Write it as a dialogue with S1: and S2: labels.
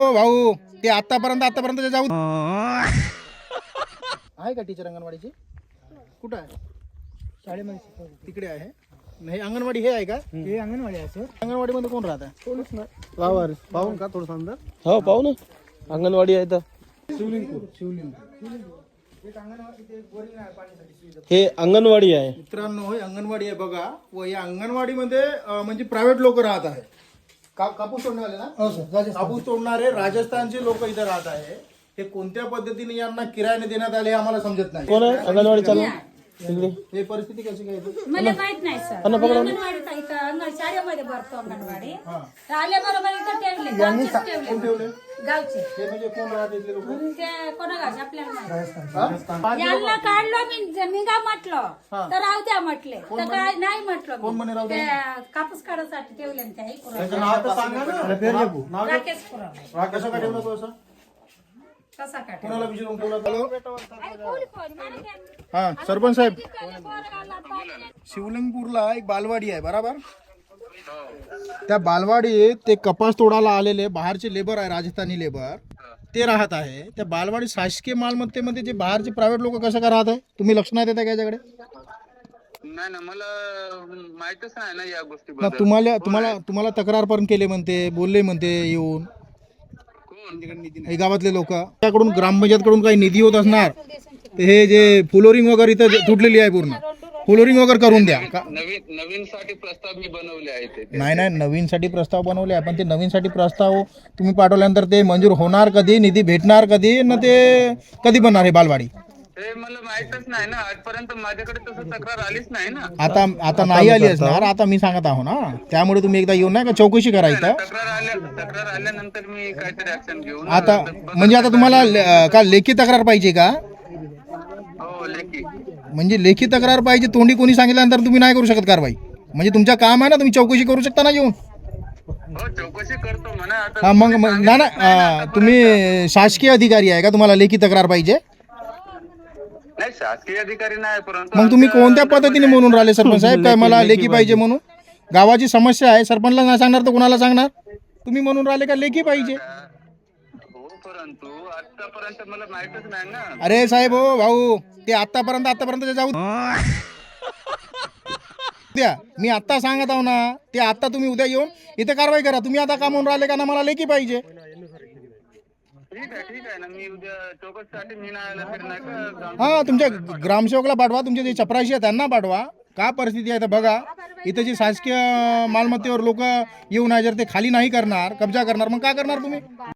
S1: हो भाऊ, ते आतापर्यंत जाऊ आहे का टीचर अंगणवाडीची? कुठं आहे?
S2: शाळेमध्ये
S1: तिकडे आहे. नाही अंगणवाडी हे आहे का?
S2: हे अंगणवाडी आहे सर.
S1: अंगणवाडी मध्ये कोण राहत आहे?
S2: कोणीच नाही. वावर पाहून का थोडं अंदर.
S3: हो पाहू ना, अंगणवाडी आहे तर
S1: शिवलिंग.
S3: हे अंगणवाडी आहे.
S1: मित्रांनो, हे अंगणवाडी आहे बघा. व या अंगणवाडीमध्ये म्हणजे प्रायव्हेट लोक राहत आहे. कापूस तोडणारे ना?
S2: हो सर.
S1: कापूस तोडणारे राजस्थानचे लोक इथे राहत आहे. हे कोणत्या पद्धतीने यांना किरायाने देण्यात आले आम्हाला समजत नाही.
S3: कोण आहे अंगणवाडी चालू?
S1: हे परिस्थिती कशी काय येते?
S4: मला माहित नाही सर. अंगणवाडीत इथं शाळेमध्ये भरतो अंगणवाडी. आल्याबरोबर इथं ठेवले
S1: ठेवले
S4: गावचे.
S1: हे म्हणजे कोण राहते इथले लोक?
S4: ते कोणा गावचे आपल्याला नाही. यांना काढलो मी का म्हटलं तर राहू द्या म्हटले तर काय नाही म्हटलं. ते कापूस काढायसाठी ठेवले त्या राकेश पुरा
S1: कसं काय ठेवलं तो असं?
S4: कसा काढ
S1: कोणाला विचारून ठेवलं? हा सरपंच साहेब, शिवलिंगपूरला एक बालवाडी आहे बरोबर. त्या बालवाडीत ते कपास तोडायला आलेले बाहेरचे लेबर आहे, राजस्थानी लेबर ते राहत आहे. त्या बालवाडी शासकीय मालमत्तेमध्ये जे बाहेरचे प्रायव्हेट लोक कसं काय राहत आहे? तुम्ही लक्ष नाही देता का याच्याकडे?
S5: नाही ना, मला माहितच नाही ना या गोष्टी.
S1: तुम्हाला तक्रार पण केले म्हणते, बोलले म्हणते येऊन हे गावातले लोक. त्याकडून ग्रामपंचायतकडून काही निधी होत असणार तर हे जे फ्लोरिंग वगैरे इथं तुटलेली आहे पूर्ण, फ्लोरिंग वगैरे करून द्या.
S5: नवीन साठी प्रस्ताव मी बनवले आहेत ते.
S1: नाही नवीन साठी प्रस्ताव बनवले आहे, पण ते नवीन साठी प्रस्ताव तुम्ही पाठवल्यानंतर ते मंजूर होणार कधी, निधी भेटणार कधी, न ते कधी बनणार हे बालवाडी?
S5: हे मला माहितच नाही ना, आजपर्यंत माझ्याकडे तसं तक्रार आलीच नाही ना.
S1: आता नाही आली असणार, आता मी सांगत आहो ना. त्यामुळे तुम्ही एकदा येऊन नाही का चौकशी करायचं.
S5: तक्रार आल्यानंतर मी काहीतरी ऍक्शन घेऊन.
S1: आता म्हणजे आता तुम्हाला का लेखी तक्रार पाहिजे का?
S5: हो लेखी.
S1: म्हणजे लेखी तक्रार पाहिजे, तोंडी कोणी सांगितल्यानंतर तुम्ही नाही करू शकत कारवाई. म्हणजे तुमचं काम आहे ना, तुम्ही चौकशी करू शकता ना येऊन.
S5: हो चौकशी करतो म्हणा. आता
S1: हा मग ना तुम्ही शासकीय अधिकारी आहे का? तुम्हाला लेखी तक्रार पाहिजे?
S5: नाही शासकीय अधिकारी नाही, परंतु
S1: मग तुम्ही कोणत्या पद्धतीने म्हणून राहिले सरपंच साहेब काय मला लेखी पाहिजे म्हणून? गावाची समस्या आहे, सरपंचला नाही सांगणार तर कोणाला सांगणार? तुम्ही म्हणून राहिले का लेखी पाहिजे?
S5: हो परंतु आतापर्यंत मला माहितच नाही ना.
S1: अरे साहेब हो भाऊ, ते आतापर्यंत जाऊ द्या. मी आता सांगत आहो ना, ते आता तुम्ही उद्या येऊन इथे कारवाई करा. तुम्ही आता का म्हणून राहिले का ना मला लेखी पाहिजे?
S5: ठीक आहे ना, मी उद्या चौकशीसाठी मी नाही आला तर नाही का.
S1: हा तुमच्या ग्रामसेवकला पाठवा, तुमचे जे चपराशी आहे त्यांना पाठवा. का परिस्थिती आहे तर बघा. इथं जे शासकीय मालमत्तेवर लोक येऊन आहे, जर ते खाली नाही करणार, कब्जा करणार, मग काय करणार तुम्ही?